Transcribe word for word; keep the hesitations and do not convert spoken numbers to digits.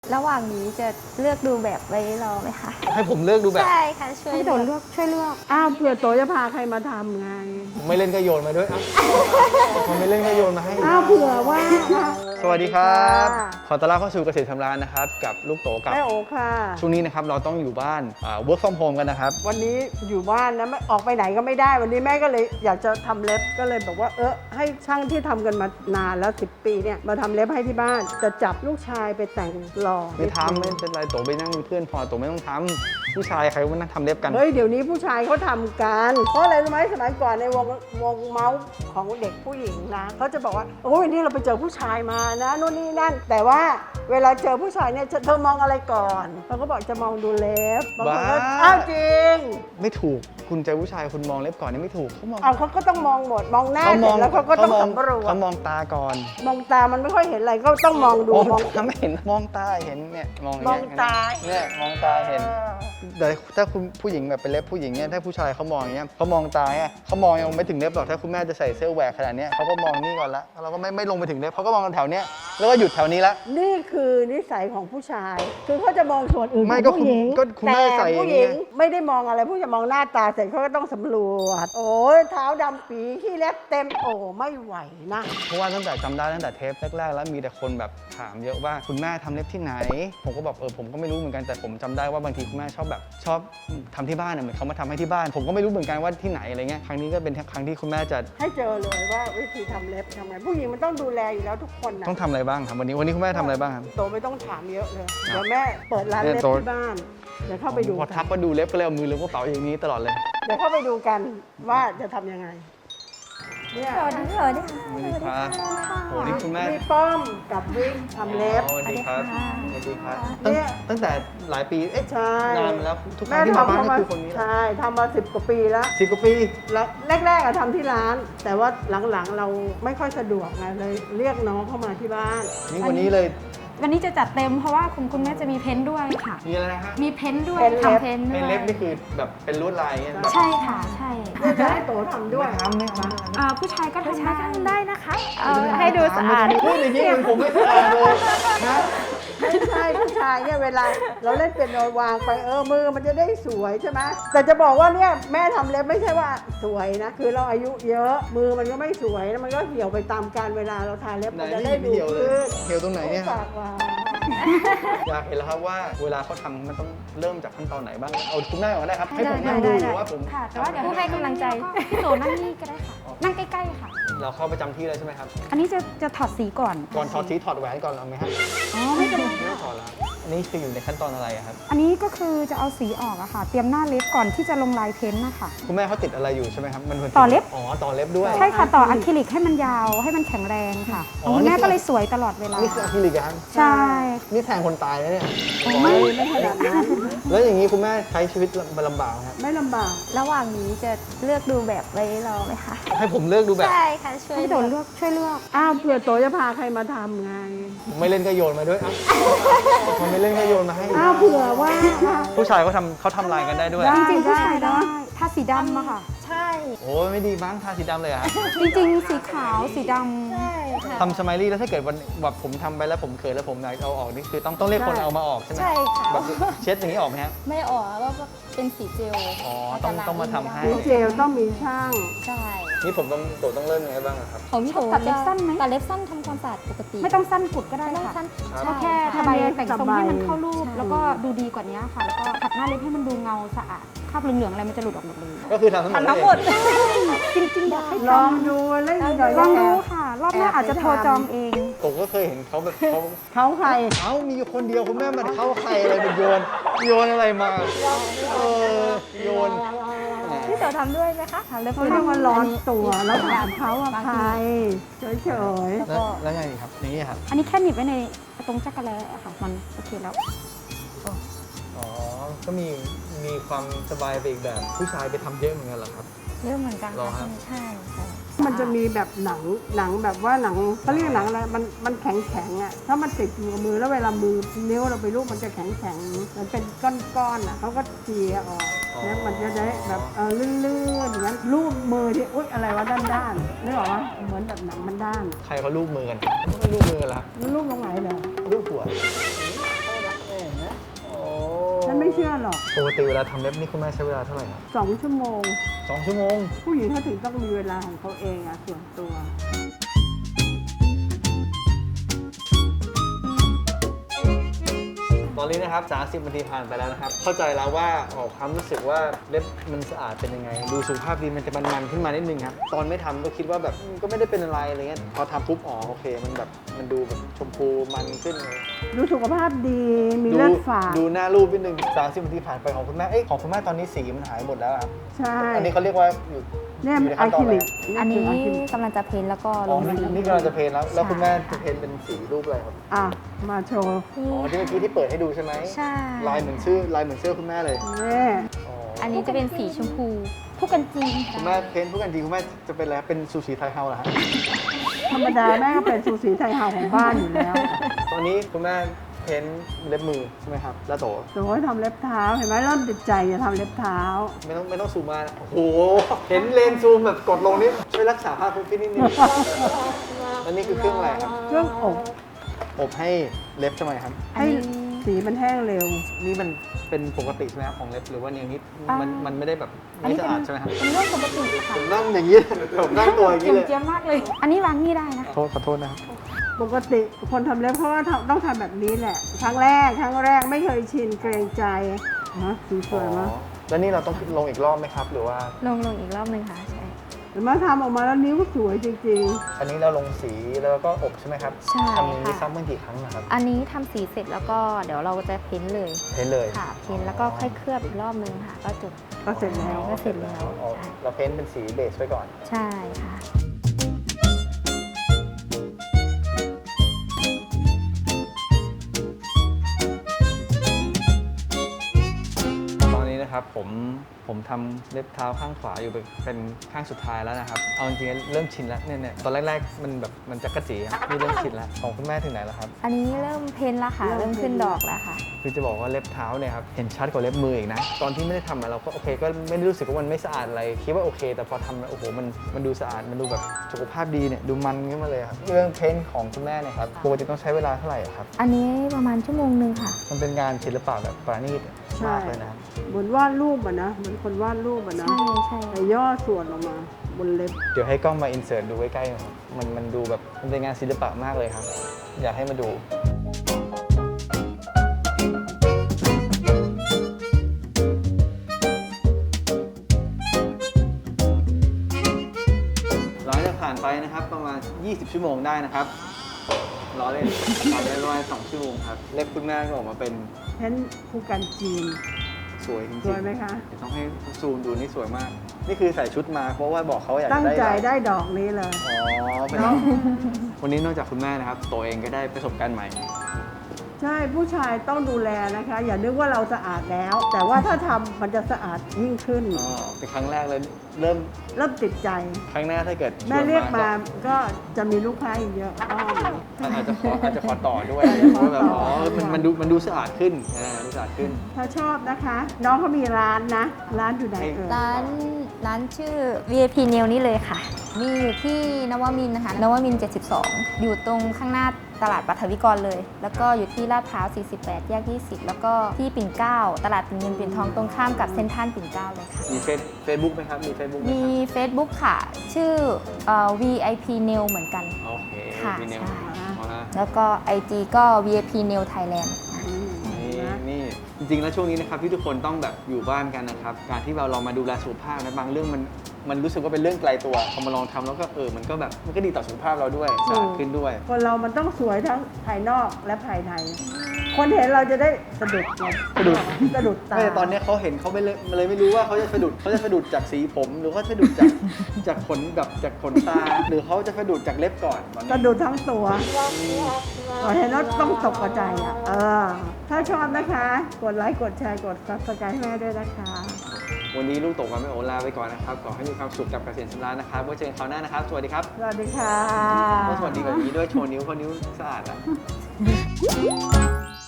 ระหว่างนี้จะเลือกดูแบบไว้รอไหมคะให้ผมเลือกดูแบบใช่ค่ะช่วยให้โตเลือกช่วยเลือกอ้าวเผื่อโตจะพาใครมาทำไงผมไม่เล่นก็โยนมาด้วยเอ้าผมไม่เล่นก็โยนมาให้อ้าวเผื่อว่าสวัสดีครับค่ะขอต้อนรับเข้าสู่เกษตรทำร้านนะครับกับลูกโตกับแม่โอค่ะช่วงนี้นะครับเราต้องอยู่บ้านอ่า work from home กันนะครับวันนี้อยู่บ้านนะไม่ออกไปไหนก็ไม่ได้ วันนี้แม่ก็เลยอยากจะทำเล็บก็เลยบอกว่าเออให้ช่างที่ทำกันมานานแล้วสิบปีเนี่ยมาทำเล็บให้ที่บ้านจะจับลูกชายไปแต่งหล่อไม่ทำไม่เป็นไรโตไปนั่งเป็นเพื่อนพอโตไม่ต้องทำผู้ชายใครว่านั่งทำเล็บกันเฮ้ยเดี๋ยวนี้ผู้ชายเขาทำกันเพราะอะไรรู้ไหมสมัยก่อนในวงวงเมาส์ของเด็กผู้หญิงนะเขาจะบอกว่าโอ้ยวันนี้เราไปเจอผู้ชายมานะนู่นนี่นั่น แต่ว่าเวลาเจอผู้ชายเนี่ยเธอมองอะไรก่อนเขาก็บอกจะมองดูเล็บบางคนก็บ้าอ้าวจริงไม่ถูกคุณเจอผู้ชายคุณมองเล็บก่อนนี่ไม่ถูกเขามองเอาเขาก็ต้องมองหมดมองหน้าเขาเสมร็องจแล้วเขาก็ต้องมองสำรวจเขามองตาก่อนมองตามันไม่ค่อยเห็นอะไรก็ต้องมองดูมองมองตาไม่เห็นมองตาเห็นเนี่ยมองย่มองตาเนี่ยมองตาเห็น แต่ถ้าคุณผู้หญิงแบบเป็นเล็บผู้หญิงเนี่ยถ้าผู้ชายเขามองอย่างเงี้ยเขามองตาเนี่ยเขามองยังไม่ถึงเล็บหรอกถ้าคุณแม่จะใส่เสื้อแหวกขนาดเนี้ยเขาก็มองนี่ก่อนละเราก็ไม่ไม่ลงไปถึงเล็บเขาก็มองกันแถวเนี้ยแล้วก็หยุดแถวนี้ละนี่คือนิสัยของผู้ชาย คือเขาจะมองส่วนอื่นไม่ของก็ผู้หญิงก็คุณแม่แต่ใส่อย่างผู้เงี้หยญิงไม่ได้มองอะไรผู้จะมองหน้าตาเสร็จเขาก็ต้องสำรวจโอ้ยเท้าดำปีขี้เล็บเต็มโอ้ไม่ไหวนะเพราะว่าตั้งแต่จำได้ตั้งแต่เทปแรกๆแล้วมีแต่คนแบบถามเยอะว่าคุณแม่ทำเล็บที่ไหน ผมก็บอกเออผมก็ไม่รู้เหมือนกันแต่ผมจำได้ว่าบางทีคุณแม่ชอบแบบชอบทำที่บ้านเนี่ยเหมือนเขามาทำให้ที่บ้าน ผมก็ไม่รู้เหมือนกันว่าที่ไหนอะไรเงี้ยครั้งนี้ก็เป็นครั้งที่คุณแม่จะให้เจอเลยว่าวิธีทำเล็บทำไงผู้หญิงมันต้องดูแลอยู่แล้วทุกคนนะต้องทำอะไรบ้างครับวันนี้วันนี้คุณแม่ทำอะไรบ้างครับโตไม่ต้องถามเยอะเลยเดี๋ยวแม่เปิดร้านเล็บเนี่ยโตที่บ้านเดี๋ยวเข้าไปดูพอกัทักนว่าดูเล็บก็เลยเอามือล้วงกระเป๋าอย่างนี้ตลอดเลยเดี๋ยวเข้าไปดูกันว่าจะทำยังไงเนี่ยสวัสดีสวัสดีค่ะสวัสดีครับโอ้นี่คุณแม่มีป้อมกับวิกทำเล็บสวัสดีครับสวัสดีครับเนี่ตั้งยตั้งแต่หลายปีเอ๊ะใช่นานมาแล้วทุกครั้งที่มาบ้านก็คือคนนี้แหละใช่ทำมาสิบกว่าปีแล้วสิบกว่าปีแล้วแรกๆอะทำที่ร้าน แต่ว่าหลังๆเราไม่ค่อยสะดวกไงเลยเรียกน้องเข้ามาที่บ้านนี่วันนี้เลยวันนี้จะจัดเต็มเพราะว่าคุณคุณแม่จะมีเพ้นท์ด้วยค่ะมีอะไรนะฮะมีเพ้นท์ด้วยเพ้นท์เล็บทำเพ้นท์ด้เป็วน ยเล็บนี่คือแบบเป็นลวดลายอย่างเงี้ยแบบใช่ค่ะ ใช่เพื่อจะให้โตทำด้วยไม่ทำไม่ทอ่าผู้ชายก็ทำได้ได้นะคะเอาให้ดูสะอาดพูดอย่างนี้ผมไม่สะอาดเลยนะไม่ใช่ผู้ชายเนี่ยเวลาเราเล่นเป็นโนวางไปเออมือมันจะได้สวยใช่ไหมแต่จะบอกว่าเนี่ยแม่ทำเล็บไม่ใช่ว่าสวยนะ คือเราอายุเยอะมือมันก็ไม่สวยแล้วมันก็เหี่ยวไปตามกาลเวลาเราทาเล็บไหนมันจะนี่ได้ไม่ดูเหี่ยวเลยขึ้นเหี่ยวตรงไหนเนี่ยปากหวานอยากเห็นแล้วครับว่าเวลาเขาทำมันต้องเริ่มจากขั้นตอนไหนบ้างเอาคุณแม่ก่อนได้ครับให้ผมได้นั่งได้ดูได้ว่าผมค่ะ แต่ว่าเดี๋ยวผู้ให้กำลังใจพี่โตนั่งนี่ก็ได้ค่ะ นั่งใกล้ๆค่ะเราเข้าประจำที่เลยใช่ไหมครับอันนี้จะจะถอดสีก่อนก่อนถอดทีถอดแหวนก่อนเอาไหมฮะอ๋อไม่เป็นไรไม่ต้องถอดแล้วอันนี้คืออยู่ในขั้นตอนอะไรอะครับอันนี้ก็คือจะเอาสีออกอะค่ะ เตรียมหน้าเล็บก่อนที่จะลงลายเพ้นท์นะคะคุณแม่เขาติดอะไรอยู่ใช่ไหมครับมันหมืนต่อเล็บอ๋อต่อเล็บด้วยใช่ค่ะ ต่ออะคริลิกให้มันยาวให้มันแข็งแรงค่ะอ๋อคุณแม่นี่คือก็เลยสวยตลอดเวลานี่คืออะคริลิกอะครับใช่นี่แทงคนตายนะเนี่ยไม่ไม่ขนาดนั้นแล้วอย่างนี้คุณแม่ใช้ชีวิตลำบากไหมครับไม่ลำบากระหว่างนี้จะเลือกดูแบบไว้รอไหมคะให้ผมเลือกดูแบบใช่ค่ะช่วยให้โตเลือกช่วยเลือกอ้าวเผื่อโตจะพาใครมาทำไงผมไม่เล่นก็โยนมาด้วยเอ้าผมไม่เล่นก็โยนมาให้อ้าวเผื่อว่าผู้ชายเขาทำเขาทำลายกันได้ด้วยได้จริงๆผู้ชายได้ได้ถ้าสีดำอะค่ะใช่โอ้ยไม่ดีมั้งทาสีดำเลยอะจริงๆ สีขาวสีดำใช่ค่ะทำสไมลี่แล้วถ้าเกิดวันแบบผมทำไปแล้วผมเขินแล้วผมอยากเอาออกนี่คือต้องต้องเรียกคนเอามาออกใช่ไหมใช่ค่ะแบบเช็ดอย่างนี้ออกไหมฮะไม่ออกว่าเป็นสีเจลอ๋อต้องต้องมาทำให้ดีเจลต้องมีช่างใช่นี่ผมต้องโตต้องเริ่มยังไงบ้างอะครับของพี่โถตัดเล็บสั้นไหมตัดเล็บสั้นทำความสะอาดปกติไม่ต้องสั้นกุดก็ได้ไม่ต้องค่ะสั้นก็แค่ใช่ทำไมแต่งทรงให้มันเข้ารูปใช่แล้วก็ดูดีกว่านี้ค่ะ แล้วก็ขัดหน้าเล็บให้มันดูเงาสะอาดคราบเหลืองๆอะไรมันจะหลุดออกหมดเลยก็คือทำทั้งหมดทำทั้งหมดจริงๆอยากให้ลทองดูเล่นหน่อยำลองดูแอบค่ะ รอบหน้าอาจจะโทรจองเองผมก็เคยเห็นเขาแบบเขาเขาใครเอ้ามีอยู่คนเดียวคุณแม่มันเข้าใครอะไรมันโยนโยนอะไรมาเออโยนพี่โตทำด้วยไหมคะทำเล็บเขาเรียกว่าร้อนตัวแล้วถามเขาว่าใครเฉยแล้วแล้วไงครับอย่างนี้ครับอันนี้แค่หนีบไว้ในตรงจักรแลอะค่ะ มันโอเคแล้วอ๋อก็มีมีความสบายไปอีกแบบผู้ชายไปทำเยอะเหมือนกันเหรอครับเริ่มเหมือนกันรอครัค่ะบใช่ค่ะๆมันจะมีแบบหนังหนังแบบว่าหนังเขาเรียกหนังอะไรมันมันแข็งแข็งๆอ่ะถ้ามันติดอยู่กับมือแล้วเวลามือนิ้วเราไปลูบมันจะแข็งแข็งๆมันเป็นก้อนๆอ่ะเขาก็เจียออกแล้วมันจะได้แบบเออลื่นๆอย่างนั้นลูบมือที่อุ๊ยอะไรวะด้านๆนึกออกปะเหมือนแบบหนังมันด้านใครเขาลูบมือกันไม่ลูบมือกันเหรอครับมันลูบตรงไหนเหรอลูบหัวเชื่อหรอกปกติเวลาทำเล็บนี่คุณแม่ใช้เวลาเท่าไหร่ครับสองชั่วโมงสองชั่วโมงผู้หญิงเขาถึงต้องมีเวลาของเขาเองอะส่วนตัวตอนนี้นะครับสามสิบนาทีผ่านไปแล้วนะครับ เข้าใจแล้วว่าออกความรู้สึกว่าเล็บมันสะอาดเป็นยังไง ดูสุขภาพดีมันจะมันๆขึ้นมานิดนึงครับ ตอนไม่ทำก็คิดว่าแบบอืมก็ไม่ได้เป็นอะไรอะไรเงี้ย พอทำปุ๊บอ๋อโอเค มันแบบมันดูแบบชมพูมันขึ้นเลยดูสุขภาพดีมีเลือดฝาดดูหน้ารูปนิดนึงสามสิบนาทีผ่านไปของคุณแม่ เอ้ยของคุณแม่ตอนนี้สีมันหายหมดแล้วครับใช่อันนี้เขาเรียกว่าอยู่เนี่ยอยู่ในอะขั้นตคอนริอะไรลิกอันนี้คืะคริลิกกำลังจะเพ้นท์แล้วก็ลอ๋อง นี่สีนี่กำลังจะเพ้นท์แล้ว แล้วคุณแม่ใช่จะเพ้นท์เป็นสีรูปอะไรครับอ่ะมาโชว์อ๋อที่เมื่อกี้ที่เปิดให้ดูใช่ไหมใช่ลายเหมือนชื่อลายเหมือนเสื้อคุณแม่เลยนี่อ๋ออันนี้จะเป็นสีชมพูผู้กันจีนคุณแม่เพ้นท์ผู้กันจริงคุณแม่จะเป็นอะไรครับเป็นซูชิไทยเฮาส์เหรอฮะธรรมดาแม่ก็เป็นซูสีไทยเฮาของบ้านอยู่แล้วตอนนี้คุณแม่เพ้นท์เล็บมือใช่ไหมครับ แล้วโตโอ้ยทำเล็บเท้าเห็นไหมเริ่มติดใจจะทำเล็บเท้าไม่ต้องไม่ต้องซูมมานะโอ้โห เห็นเลนซูมแบบกดลงนี่ช่วยรักษาภาพคุณพี่นิดนึงแล้วนี่คือเครื่องอะไรครับเครื่องอบอบให้เล็บทำไมครับอันให้นี้สีมันแห้งเร็วนี่มันเป็นปกติใช่ไหมครับของเล็บหรือว่าอย่างนี้มันมันไม่ได้แบบอันไม่นี้สะเป็นอาดใช่ไหมครับเป็นเรื่องปกติค่ะผมนั่งอย่างนี้ ผมนั่งตัวอย่างเจีนี้ยมเลยเจียมมากเลย อันนี้วางนี่ได้นะโทษขอโทษนะครับปกติคนทำเล็บเพราะว่าทำต้องทำแบบนี้แหละ ครั้งแรกครั้งแรกไม่เคยชินเกรงใจฮะสีสวยมากอ๋อแล้วนี่เราต้องลงอีกรอบไหมครับ หรือว่าลงลงอีกรอบหนึ่งค่ะ ใช่เห็นไหมทำออกมาแล้วนิ้วสวยจริงอันนี้เราลงสีแล้วก็อบใช่ไหมครับใช่ทำอย่างนี้ค่ะซ้ำกันกี่ครั้งนะครับอันนี้ทำสีเสร็จแล้วก็เดี๋ยวเราจะเพ้นท์เลยเพ้นท์เลยค่ะ เพ้นท์แล้วก็ค่อยเคลือบอีกรอบนึงค่ะ ก็จบๆ ก็เสร็จแล้วก็เสร็จแล้วอ๋อใช่เราเพ้นท์เป็นสีเบสไว้ก่อนใช่ค่ะตอนนี้นะครับผมผมทำเล็บเท้าข้างขวาอยู่เป็นเป็นข้างสุดท้ายแล้วนะครับ เอาจริงๆเริ่มชินแล้วเนี่ยเนี่ยตอนแรกๆมันแบบมันจะกระจีครับนี่เริ่มชินแล้วของคุณแม่ถึงไหนแล้วครับอันนี้เริ่มเพ้นท์แล้วค่ะ เริ่มขึ้นดอกแล้วค่ะคือจะบอกว่าเล็บเท้าเนี่ยครับเห็นชัดกว่าเล็บมืออีกนะ ตอนที่ไม่ได้ทำอะเราก็โอเคก็ไม่ได้รู้สึกว่ามันไม่สะอาดอะไรคิดว่าโอเค แต่พอทำแล้วโอ้โหมันมันดูสะอาดมันดูแบบสุขภาพดีเนี่ยดูมันขึ้นมาเลยครับเรื่องเพ้นท์ของคุณแม่เนี่ยครับปกติต้องใช้เวลาเท่าไหร่อะครับอันนี้ประมาณชั่วโมงหนึ่งค่ะมันเป็นงานศิลปะแบบปราณีตใช่มากเลยนะครับเหมือนวาดรูปอะนะ เหมือนคนวาดรูปอะนะใช่ใช่แต่ย่อส่วนออกมาบนเล็บเดี๋ยวให้กล้องมาอินเสิร์ตดูใกล้ๆหนะครับมันมันดูแบบมันเป็นงานศิลปะมากเลยครับ อยากให้มาดู หลังจากผ่านไปนะครับประมาณ ยี่สิบ ชั่วโมงได้นะครับรอเล่นผ่านไปประมาณสองชั่วโมงครับ เล็บคุณแม่ก็ออกมาเป็นเพ้นผู้กันจีนสวยจริงๆสวยไหมคะเดี๋ยวต้องให้ซูมดูนี่สวยมาก นี่คือใส่ชุดมาเพราะว่าบอกเขาอยากตั้งจะได้ใจลายได้ดอกนี้เลยอ๋อเป็นเนาะวันนี้นอกจากคุณแม่นะครับตัวเองก็ได้ประสบการณ์ใหม่ใช่ผู้ชายต้องดูแลนะคะ อย่านึกว่าเราสะอาดแล้ว แต่ว่าถ้าทำมันจะสะอาดยิ่งขึ้นอ๋อเป็นครั้งแรกเลยเริ่มเริ่มติดใจครั้งหน้าถ้าเกิดชวนแม่เรียกมาก็ก็จะมีลูกค้าอีกเยอะอ้อมอาจจะขออาจจะขอต่อด้วยอาจจะขอว่าแบบต่ออ๋อมันมันดูมันดูสะอาดขึ้นอ่าดูสะอาดขึ้นถ้าชอบนะคะ น้องเขามีร้านนะ ร้านอยู่ไหนเอ่ยร้านร้านชื่อ วี ไอ พี Nail นี่เลยค่ะ มีอยู่ที่นวมินทร์นะคะ นวมินทร์เจ็ดสิบสอง อยู่ตรงข้างหน้าตลาดปัทวิกรเลย แล้วก็อยู่ที่ลาดพร้าว สี่สิบแปด แยก ยี่สิบ แล้วก็ที่ปิ่นเกล้า ตลาดปิ่นเงินปิ่นทองตรงข้ามกับเซ็นทรัลปิ่นเกล้าเลยค่ะมีเฟซเฟซบุ๊กไหมครับ มีเฟซบุ๊กไหมมีครับ Facebook ค่ะ ชื่อเอ่อ วี ไอ พี Nail เหมือนกันโอเคค่ะมีเนลใช่เอาละแล้วก็ ไอ จี ก็ วี ไอ พี Nail Thailand อืมนี่นะนี่จริงๆแล้วช่วงนี้นะครับที่ทุกคนต้องแบบอยู่บ้านกันนะครับการที่เราลองมาดูแลสุขภาพนะบางเรื่องมันมันรู้สึกว่าเป็นเรื่องไกลตัวพอมาลองทำแล้วก็เออมันก็แบบมันก็ดีต่อสุขภาพเราด้วยสะอาดขึ้นด้วยคนเรามันต้องสวยทั้งภายนอกและภายใน คนเห็นเราจะได้สะดุดไงสะดุดสะดุดตาไม่แต่ตอนนี้เขาเห็นเขาไม่เลยเลยไม่รู้ว่าเขาจะสะดุดเขาจะสะดุดจากสีผม หรือเขาสะดุดจาก จากขนแบบจากขนตา หรือเขาจะสะดุดจากเล็บก่อนตอนนี้สะดุดทั้งตัวพอเห็นแล้วต้องตกใจอ่ะเออ ถ้าชอบนะคะ กดไลค์ กดแชร์ กดซับสไครต์ให้แม่ด้วยนะคะวันนี้ลูกตกวันไม่โอลาไปก่อนนะครับขอให้มีความสุขกับเกษตรสำราญนะครับไว้เจอกันคราวหน้านะครับสวัสดีครับสวัสดีค่ะต้องสวัสดีแบบนี้ด้วยโชว์นิ้วเพราะนิ้วสะอาดอ่ะ